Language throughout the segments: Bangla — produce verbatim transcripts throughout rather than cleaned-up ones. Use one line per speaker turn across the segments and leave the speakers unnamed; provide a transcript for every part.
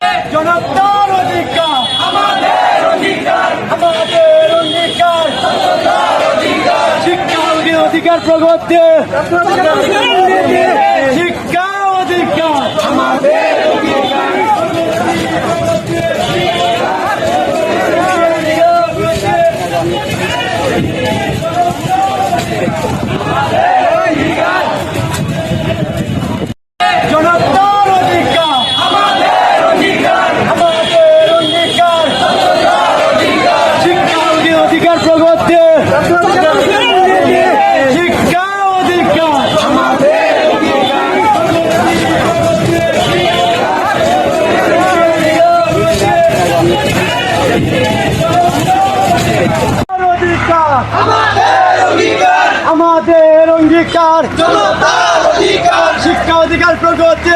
জনতার অধিকার আমাদের অধিকার আমাদের অধিকার শিক্ষা অধিকার প্রগতি শিক্ষা অধিকার আমাদের অধিকার জনতার অধিকার আমাদের অধিকার আমাদের অধিকার শিক্ষা অধিকার প্রগতি শিক্ষা অধিকার আমাদের অধিকার অধিকার আমাদের অধিকার আমাদের অঙ্গীকার জনতার অধিকার শিক্ষা অধিকার প্রগতি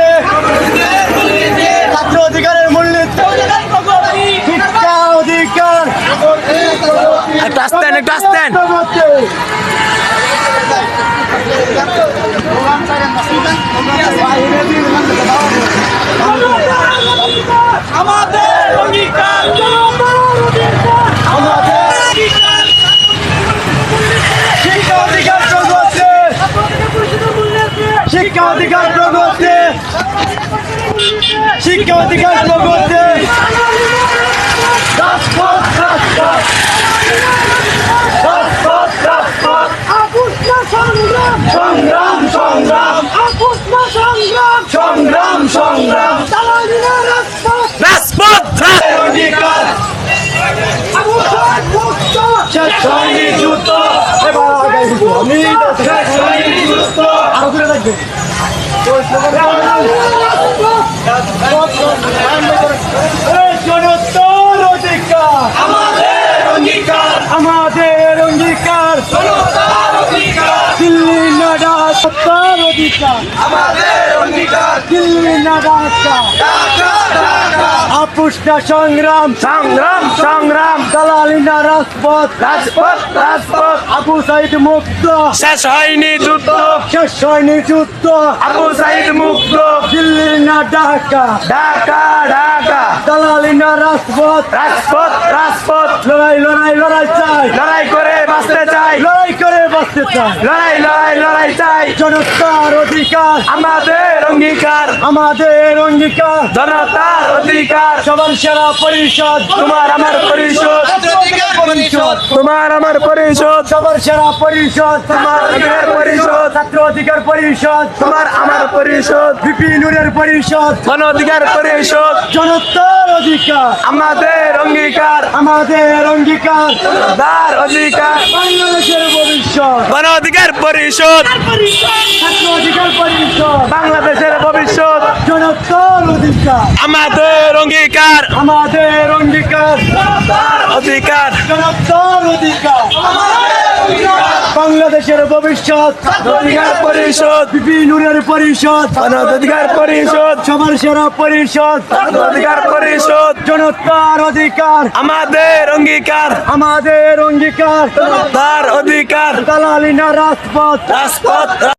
ছাত্র অধিকারের মূল্য শিক্ষা অধিকার
একটা আসতেন একটা আসতেন
আমাদের অধিকার আমাদের শিক্ষা অধিকার প্রগতি শিক্ষা অধিকার প্রগতি শিক্ষা অধিকার প্রগতি রাজপথ রাজপথ রাজপথ রাজপথ সংগ্রাম সংগ্রাম সংগ্রাম সংগ্রাম
রাজপথ
অধিকার শেষ হয়নি যুদ্ধ এবার আগাই দিব আমি শেষ হয়নি যুদ্ধ আরো দূরে থাকবে জনতার অধিকার আমাদের অঙ্গীকার আমাদের অঙ্গীকার জনতার অধিকার দিল্লি না ঢাকার অধিকার আমাদের অঙ্গীকার দিল্লি না ঢাকা আপুস না সংগ্রাম
সংগ্রাম সংগ্রাম
দালালি না রাজপথ
রাজপথ রাজপথ
আবু সাইদ মুক্ত
শেষ হয়নি যুদ্ধ
শেষ হয়নি যুদ্ধ
আবু সাইদ মুক্ত
দিল্লি না ঢাকা
ঢাকা ঢাকা
দালালি না রাজপথ
রাজপথ রাজপথ
লড়াই লড়াই লড়াই চাই
লড়াই করে বাঁচতে চাই
লড়াই করে বাঁচতে চাই
লড়াই লড়াই লড়াই চাই
জনতার অধিকার
আমাদের অঙ্গীকার
আমাদের অঙ্গীকার
জনতার অধিকার
সবার সেরা পরিষদ
তোমার আমার পরিষদ
পরিষদ
তোমার আমার পরিষদ
সবার সেরা পরিষদ
তোমার অধিকার পরিষদ
ছাত্র অধিকার পরিষদ
তোমার আমার পরিষদ
বিপিনুরের পরিষদ
গণ অধিকার পরিষদ
জনতার অধিকার
আমাদের অঙ্গীকার
আমাদের অঙ্গীকার
তার অধিকার
বাংলাদেশের ভবিষ্যৎ
গণ অধিকার পরিষদ
ছাত্র অধিকার পরিষদ
বাংলাদেশের ভবিষ্যৎ
জনতার অধিকার
আমাদের অঙ্গীকার
আমাদের অঙ্গীকার
তার অধিকার
জনতার অধিকার বাংলাদেশের ভবিষ্যৎ
অধিকার পরিষদ
বিপিনুরের পরিষদ
গণ অধিকার পরিষদ
সবার সেরা পরিষদ
অধিকার পরিষদ
জনতার অধিকার
আমাদের অঙ্গীকার
আমাদের অঙ্গীকার
তার অধিকার
দালালি না রাজপথ
রাজপথ